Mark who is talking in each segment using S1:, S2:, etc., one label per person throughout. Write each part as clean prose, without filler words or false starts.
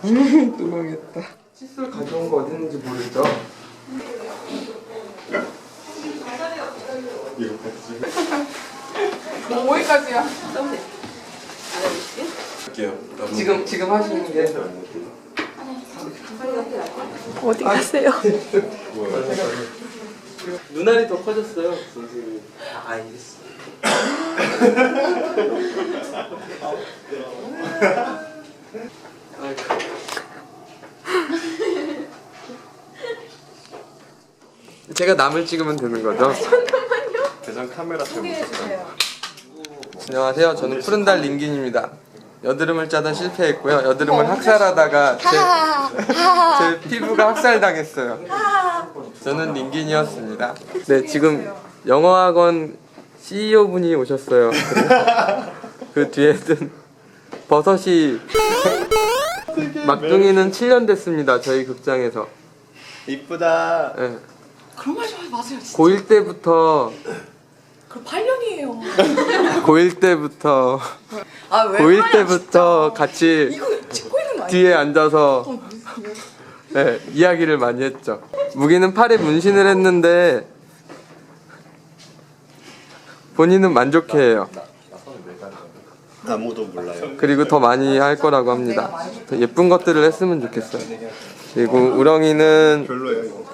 S1: 또 망했다. 칫솔 가져온 거 어디 있는지 모르죠?
S2: 이거 봤지?
S3: 5회까지야.
S2: 할게요.
S1: 지금 하시는 게
S3: 어디 가세요?
S1: 눈알이 더 커졌어요, 선생님. 알겠어. 제가 남을 찍으면 되는 거죠?
S2: 대전 카메라 때문에.
S1: 안녕하세요. 저는 푸른달 링긴입니다. 여드름을 짜다 실패했고요. 여드름을 학살하다가 제 피부가 학살당했어요. 저는 링긴이었습니다. 네, 지금 영어학원 CEO 분이 오셨어요. 그 뒤에는 버섯이 막둥이는 7년 됐습니다. 저희 극장에서.
S2: 이쁘다.
S1: 네.
S3: 그런 말 좀 하지 마세요. 진짜.
S1: 고1 때부터
S3: 그럼 8년이에요.
S1: 고1 때부터
S3: 아 왜?
S1: 고1 때부터 같이
S3: 이거 찍고 있는 거 아니야?
S1: 뒤에 앉아서 네, 이야기를 많이 했죠. 무기는 팔에 문신을 했는데 본인은 만족해해요.
S2: 아무도 몰라요.
S1: 그리고 더 많이 할 거라고 합니다. 더 예쁜 것들을 했으면 좋겠어요. 그리고 우렁이는
S2: 별로예요 이거.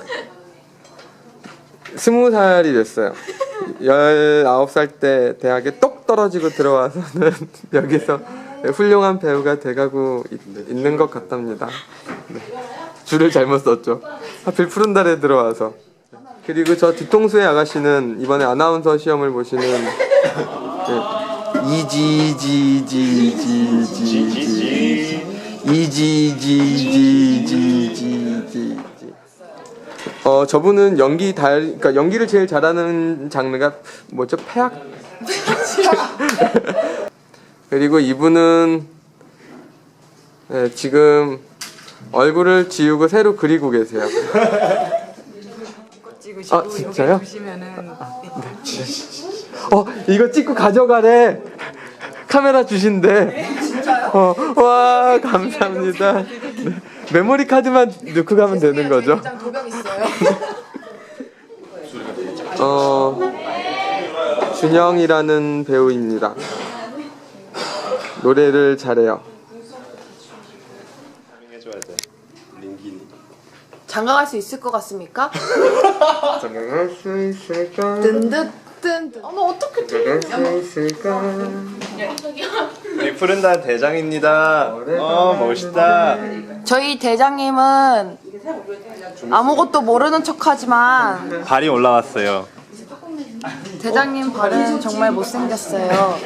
S1: 20살이 됐어요. 19살 때 대학에 똑 떨어지고 들어와서는 여기서 훌륭한 배우가 돼가고 있는 것 같답니다. 네. 줄을 잘못 썼죠. 하필 푸른 달에 들어와서. 그리고 저 뒤통수의 아가씨는 이번에 아나운서 시험을 보시는 이지지지지지지지지지지지. 저분은 그러니까 연기를 제일 잘하는 장르가 뭐죠? 폐악. 그리고 이분은 네, 지금 얼굴을 지우고 새로 그리고 계세요.
S3: 찍으시고
S1: 아, 진짜요?
S3: 여기 보시면은
S1: 이거 찍고 가져가래. 카메라 주신대.
S3: 진짜요?
S1: 와, 감사합니다. 네, 메모리 카드만 넣고 가면 되는 거죠?
S3: 일장 도벽 있어요.
S1: 준영이라는 배우입니다. 노래를 잘해요.
S2: 해줘야 돼. 링기니.
S3: 장가갈 수 있을 것 같습니까?
S1: 장가갈 수 있을까?
S3: 든든든. 어머 어떻게
S1: 장가갈 수 있을까?
S2: 우리 푸른달 대장입니다. 멋있다.
S3: 저희 대장님은 아무것도 모르는 척하지만
S2: 발이 올라왔어요.
S3: 대장님 발은 정말 못생겼어요.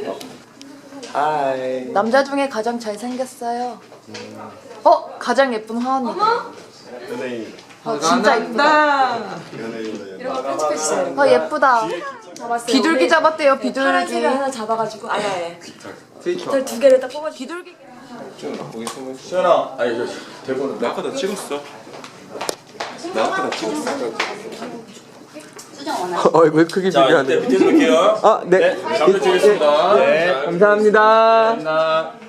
S2: 하이.
S3: 남자 중에 가장 잘생겼어요. 가장 예쁜 화언니.
S2: 연예인.
S3: 진짜 예쁘다.
S2: 연예인.
S3: 예쁘다. 비둘기 잡았대요. 비둘기.
S4: 하나 잡아가지고 아예
S1: 트위터.
S4: 두 개를 딱 뽑아.
S3: 비둘기.
S2: 시연아. 아니 대본은 나 아까 다 찍었어. 나 아까 다 찍었어.
S1: 얼굴 크기 중요하네.
S2: 밑에서 볼게요.
S1: 네.
S2: 잘 부탁드리겠습니다.
S1: 감사합니다.
S2: 감사합니다.